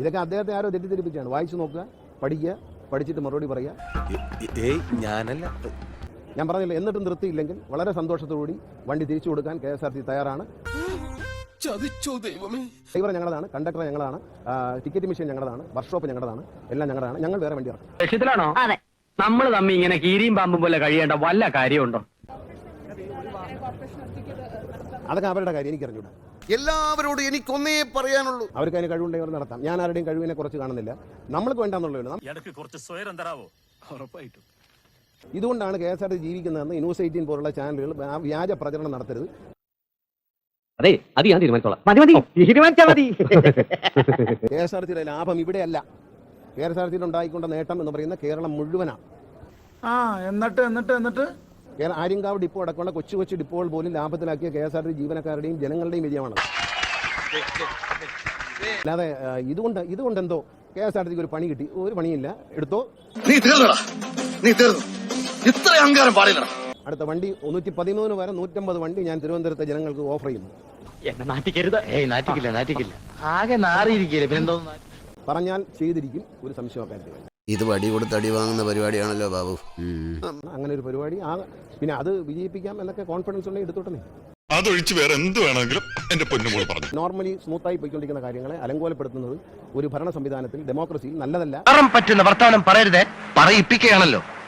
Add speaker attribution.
Speaker 1: ഇതൊക്കെ അദ്ദേഹത്തെ ആരോ തെറ്റിദ്ധരിപ്പിച്ചാണ്. വായിച്ചു നോക്കുക, പഠിക്കുക, പഠിച്ചിട്ട് മറുപടി പറയുക.
Speaker 2: ഞാനല്ല,
Speaker 1: ഞാൻ പറഞ്ഞില്ല. എന്നിട്ടും നിർത്തിയില്ലെങ്കിൽ വളരെ സന്തോഷത്തോടുകൂടി വണ്ടി തിരിച്ചു കൊടുക്കാൻ KSRTC തയ്യാറാണ്. ഡ്രൈവർ ഞങ്ങളതാണ്, കണ്ടക്ടർ ഞങ്ങളാണ്, ടിക്കറ്റ് മെഷീൻ ഞങ്ങളതാണ്, വർക്ക്ഷോപ്പ് ഞങ്ങളതാണ്, എല്ലാം ഞങ്ങളാണ്. ഞങ്ങൾ വേറെ വണ്ടി ഇറക്കും.
Speaker 3: ലക്ഷ്യത്തിലാണോ? അതെ. നമ്മൾ തമ്മിൽ ഇങ്ങനെ കീരിയും പാമ്പും പോലെ കഴിയേണ്ട വല്ല കാര്യമുണ്ടോ?
Speaker 1: അതൊക്കെ അവരുടെ കാര്യം, എനിക്ക് അറിഞ്ഞൂടാ.
Speaker 2: എല്ലാവരോടും എനിക്കൊന്നേ പറയാനുള്ളൂ,
Speaker 1: അവർക്ക് അതിന് കഴിവുണ്ടെങ്കിൽ അവർ നടത്താം. ഞാൻ ആരുടെയും കഴിവിനെ കുറച്ച് കാണുന്നില്ല. നമ്മൾക്ക് വേണ്ടാന്നുള്ളൂ. ഇതുകൊണ്ടാണ് KSRTC ജീവിക്കുന്നതെന്ന് ന്യൂസ് 18 പോലുള്ള ചാനലുകൾ വ്യാജ പ്രചരണം നടത്തരുത്.
Speaker 3: അതെ, അത് ഞാൻ തീരുമാനിച്ചോളാം. തീരുമാനിച്ചാൽ മതി.
Speaker 1: KSRTCയുടെ ലാഭം ഇവിടെയല്ല. KSRTCയിൽ ഉണ്ടായിക്കൊണ്ട നേട്ടം എന്ന് പറയുന്ന കേരളം മുഴുവനാണ്.
Speaker 4: എന്നിട്ട്
Speaker 1: ആര്യങ്കാവ് ഡിപ്പോ അടക്കമുള്ള കൊച്ചു കൊച്ചു ഡിപ്പോകൾ പോലും ലാഭത്തിലാക്കിയ KSRTC ജീവനക്കാരുടെയും ജനങ്ങളുടെയും വിജയമാണ്. അല്ലാതെ ഇതുകൊണ്ട് എന്തോ KSRTCക്ക് ഒരു പണി കിട്ടി, ഒരു പണിയില്ല, എടുത്തോ.
Speaker 2: ഇത്ര അഹങ്കാരം പാടില്ല.
Speaker 1: അടുത്ത വണ്ടി 113 വരെ 150 വണ്ടി ഞാൻ തിരുവനന്തപുരത്തെ ജനങ്ങൾക്ക് ഓഫർ ചെയ്യുന്നു.
Speaker 3: എന്നെ നാറ്റിക്കരുത്. നാറ്റിക്കില്ല. ആകെ നാറിയിരിക്കില്ല. പിന്നെന്തോ
Speaker 1: പറഞ്ഞാൽ ചെയ്തിരിക്കും, ഒരു സംശയമാക്കാൻ.
Speaker 2: ഇത് വടി കൊടുത്ത് അടി വാങ്ങുന്ന പരിപാടിയാണല്ലോ ബാബു.
Speaker 1: അങ്ങനെ ഒരു പരിപാടി പിന്നെ അത് വിജയിപ്പിക്കാം എന്നൊക്കെ കോൺഫിഡൻസ് ഉണ്ടെങ്കിൽ എടുത്തോട്ടെ.
Speaker 5: അതൊഴിച്ച് വേറെ എന്ത് വേണമെങ്കിലും എന്റെ പൊന്നുമോൾ പറഞ്ഞു.
Speaker 1: നോർമലി സ്മൂത്തായി പോയിക്കൊണ്ടിരിക്കുന്ന കാര്യങ്ങളെ അലങ്കോലപ്പെടുത്തുന്നത് ഒരു ഭരണ സംവിധാനത്തിൽ, ഡെമോക്രസിയിൽ നല്ലതല്ല.
Speaker 3: പറ്റുന്ന വർത്തമാനം പറയരുതേ, പറയിപ്പിക്കുകയാണല്ലോ.